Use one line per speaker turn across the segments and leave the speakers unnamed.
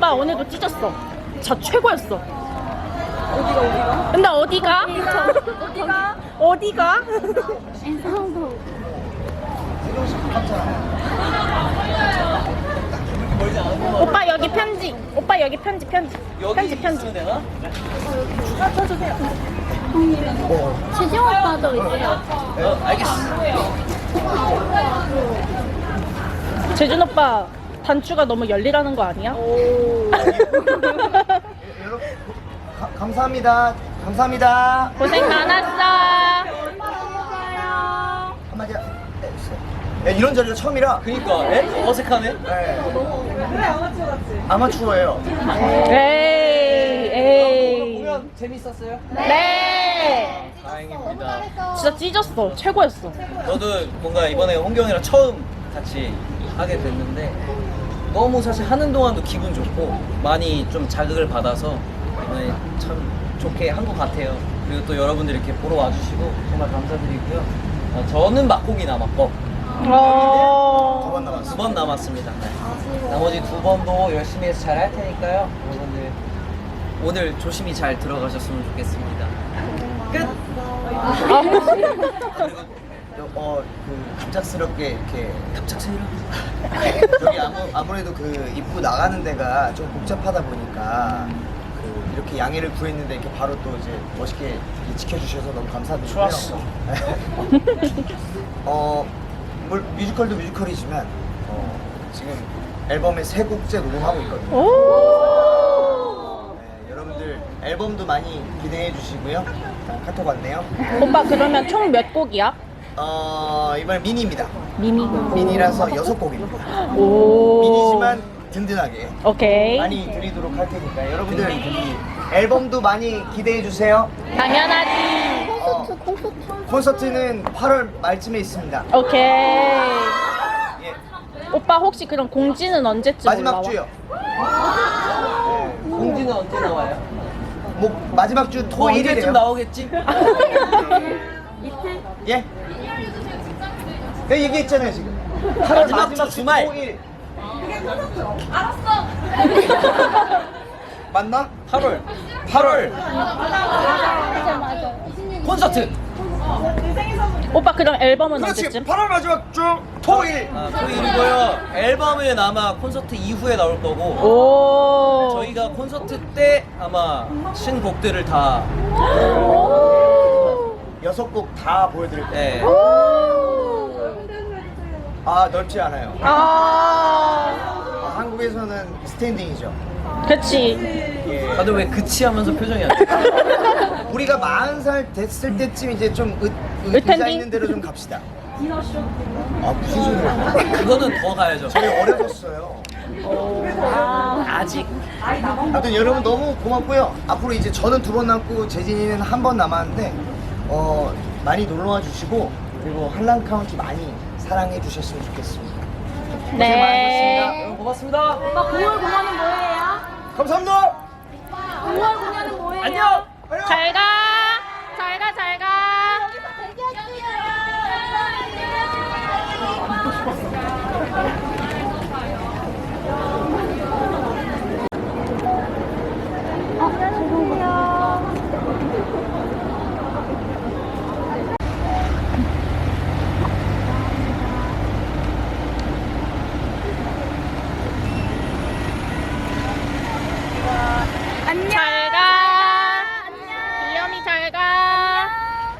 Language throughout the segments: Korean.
오빠 오늘도 찢었어. 저 최고였어. 근데 어디가? 어디가? 오빠 여기 편지. 오빠 여기 편지. 편지.
되나?
재정 오빠도 있어요.
알겠어.
재준 오빠 단추가 너무 열리라는 거 아니야?
여러분 감사합니다. 감사합니다.
고생 많았어.
한마디 해주세요. 네, 이런 자리가 처음이라.
그니까 어색하네.
네. 아마추어예요.
에이.
보면 재밌었어요?
네.
다행입니다.
진짜 찢었어. 최고였어.
저도 뭔가 이번에 홍경이랑 처음 같이 하게 됐는데 너무 사실 하는 동안도 기분 좋고 많이 좀 자극을 받아서 이번에 참 좋게 한 것 같아요. 그리고 또 여러분들이 이렇게 보러 와주시고 정말 감사드리고요. 저는 막고기 남았고
두 번 남았어요.
2번 남았습니다. 네. 나머지 2번도 열심히 해서 잘 할 테니까요. 여러분들 오늘 조심히 잘 들어가셨으면 좋겠습니다. 끝!
갑작스럽게 이렇게
갑작스러워.
여기 아무래도 그 입구 나가는 데가 좀 복잡하다 보니까 그 이렇게 양해를 구했는데 이렇게 바로 또 이제 멋있게 지켜주셔서 너무 감사드리고요.
좋았어.
뮤지컬도 뮤지컬이지만 지금 앨범의 3곡째 녹음하고 있거든요.
오.
네, 여러분들 앨범도 많이 기대해 주시고요. 카톡 왔네요.
오빠 그러면 총 몇 곡이야?
이번에 미니입니다.
미니라서
6곡입니다.
오.
미니지만 든든하게
오케이.
많이 드리도록 할 테니까 여러분들 앨범도 많이 기대해 주세요.
당연하지.
콘서트는 8월 말쯤에 있습니다.
오케이.
예,
오빠 혹시 그럼 공지는 언제쯤
마지막
올라와?
주요.
공지는 언제 나와요?
뭐 마지막 주
뭐 언제쯤
토요일이래요.
나오겠지?
예? 내가 얘기했잖아요 지금. 8월
마지막 주 주말.
토요일. 맞나?
8월 콘서트.
오빠 그럼 앨범은
그렇지.
언제쯤?
8월 마지막 주 토요일.
토요일이고요. 앨범은 아마 콘서트 이후에 나올 거고
오.
저희가 콘서트 때 아마 신곡들을 다
6곡 다 보여드릴 거예요.
네.
아 넓지 않아요. 한국에서는 스탠딩이죠.
그치.
예.
다들 왜 그치 하면서 표정이 안 돼?
우리가 40살 됐을 때쯤 이제 좀
의탄딩?
의자 있는 대로 좀 갑시다. 아 무슨 소리야?
그거는 더 가야죠.
저희 어려졌어요.
아직.
아무튼 여러분 너무 고맙고요. 앞으로 이제 저는 2번 남고 재진이는 1번 남았는데 많이 놀러와 주시고 그리고 한란 카운티 많이 사랑해 주셨으면 좋겠습니다. 고생
네.
많으셨습니다.
여러분 고맙습니다.
9월 공연은 뭐예요?
감사합니다.
9월 공연은 뭐예요?
안녕.
잘 가. 잘 가, 잘 가.
안녕.
잘 가. 이염이 잘 가.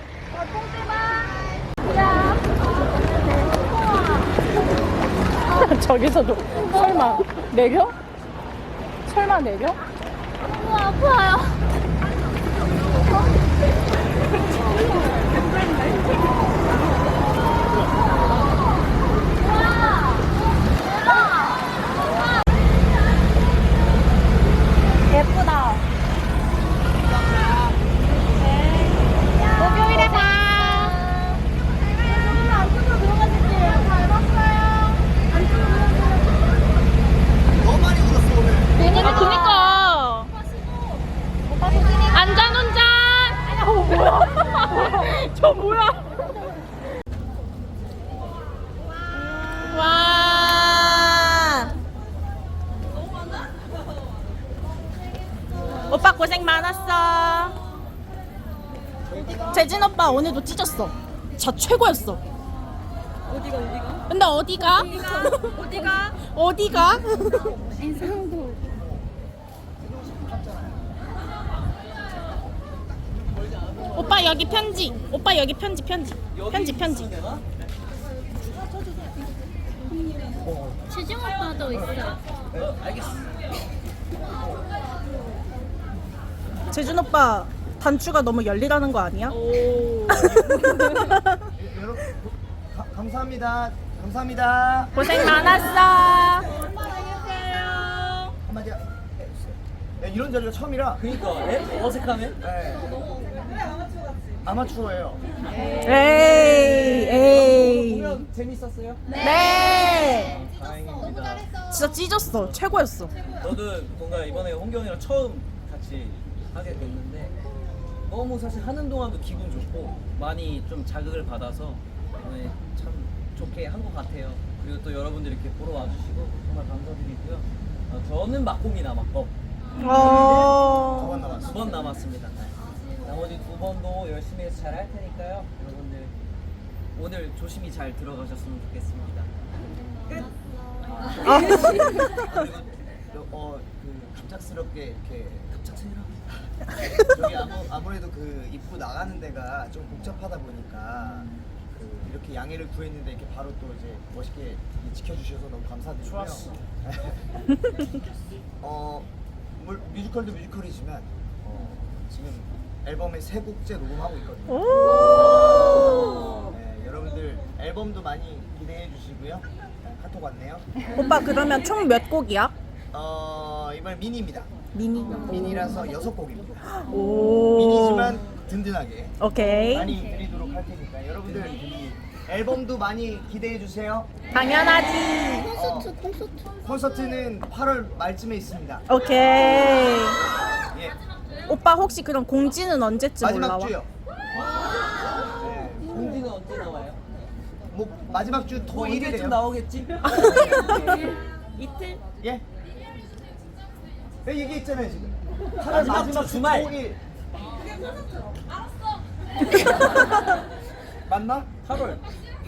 저기서도 설마 내려? 설마 내려?
너무 아파요. 예쁘다.
목요일에 봐.
안쪽으로 들어가실게요. 잘 봤어요. 안쪽으로
너무 많이 울었어 오늘.
아, 그니까. 안전 운전. 뭐야? 저 뭐야? 와. 오빠 고생 많았어. 재진 오빠 오늘도 찢었어. 자 최고였어. 어디가? 근데 어디가? 어디가?
인상도.
오빠 여기 편지. 오빠 여기 편지. 편지.
재중 오빠도 있어.
알겠어.
재준 오빠 단추가 너무 열리라는 거 아니야?
여러분 감사합니다. 감사합니다.
고생 많았어.
한마디 해주세요. 네, 이런 자리가 처음이라.
그니까 어색하네.
네. 아마추어예요.
에이.
공연 재밌었어요?
네.
다행입니다.
진짜 찢었어. 최고였어.
저도 뭔가 이번에 홍경이랑 처음 같이 하게 됐는데 너무 사실 하는 동안도 기분 좋고 많이 좀 자극을 받아서 이번에 참 좋게 한 것 같아요. 그리고 또 여러분들이 이렇게 보러 와주시고 정말 감사드리고요. 저는 막공이 남았고
어.
2번 남았어.
2번 남았습니다. 나머지 2번도 열심히 해서 잘 할 테니까요. 여러분들 오늘 조심히 잘 들어가셨으면 좋겠습니다. 끝!
그리고 갑작스럽게 이렇게 저기 아무래도 그 입구 나가는 데가 좀 복잡하다 보니까 이렇게 양해를 구했는데 이렇게 바로 또 이제 멋있게 지켜주셔서 너무 감사드리고요.
좋았어.
뮤지컬도 뮤지컬이지만 지금 앨범의 3곡째 녹음하고 있거든요.
오.
네, 여러분들 앨범도 많이 기대해 주시고요. 카톡 왔네요.
오빠 그러면 총 몇 곡이야?
이번 미니입니다.
미니.
미니라서 6곡입니다.
오.
미니지만 든든하게
오케이.
많이 드리도록 할 테니까 여러분들 이 앨범도 많이 기대해 주세요.
당연하지.
콘서트는 8월 말쯤에 있습니다.
오케이.
예,
오빠 혹시 그럼 공지는 언제쯤
마지막
올라와?
주요. 네,
공지는 언제 나와요?
뭐 마지막 주
언제쯤
토일이래요.
나오겠지?
이틀?
예? 네, 얘기했잖아요 지금. 8월
마지막
마지막
주
주
주말.
토일. 맞나?
8월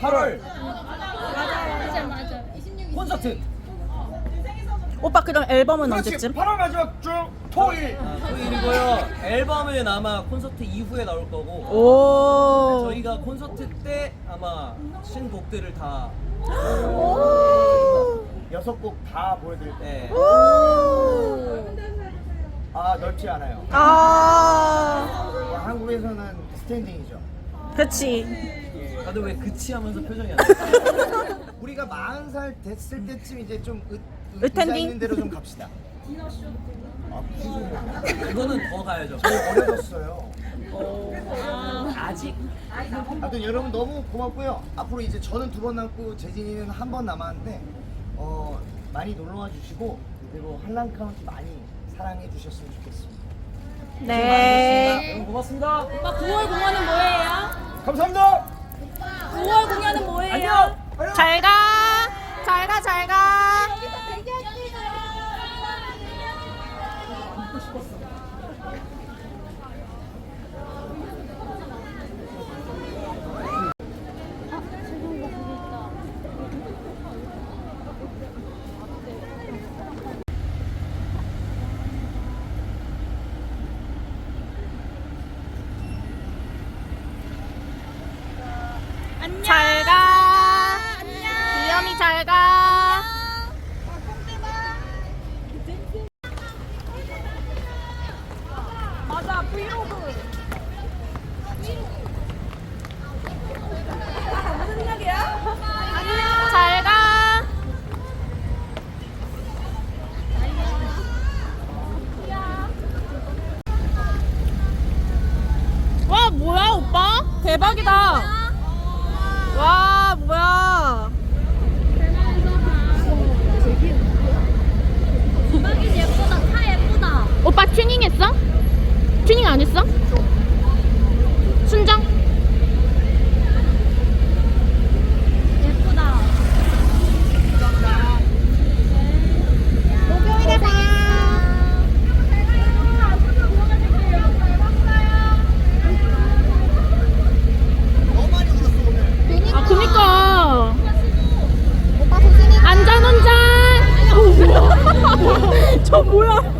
맞아.
콘서트.
오빠 그럼 앨범은
그렇지.
언제쯤?
8월 마지막 주 토일.
토요일이고요. 앨범은 아마 콘서트 이후에 나올 거고
오.
저희가 콘서트 때 아마 신곡들을 다
6곡 다 보여드릴 때.
네.
아, 넓지 않아요.
아.
한국에서는 스탠딩이죠.
그렇지.
다들 왜 그치 하면서 표정이 안 나?
우리가 40살 됐을 때쯤 이제 좀
으탠딩?
의자 있는 대로 좀 갑시다. 아, 무슨 소리야.
그거는 더 가야죠.
저희 어려졌어요.
아직
아무튼 여러분 너무 고맙고요. 앞으로 이제 저는 2번 남고 재진이는 1번 남았는데 많이 놀러와 주시고 그리고 한랑 카운티 많이 사랑해 주셨으면 좋겠습니다.
네.
여러분 고맙습니다.
오빠 9월 공연은 뭐예요?
감사합니다.
9월 공연은 뭐예요?
안녕.
잘 가. 잘 가. 잘 가.
안녕.
잘 가. 귀염이 잘 가. 맞아, 브이로그. 무슨 일이야? 안녕. 잘 가. 와, 뭐야, 오빠? 대박이다. 와, 뭐야.
대박이 예쁘다. 다 예쁘다.
오빠 튜닝 했어? 튜닝 안 했어? 순정?
예쁘다.
목요일에 봐. 저 뭐야?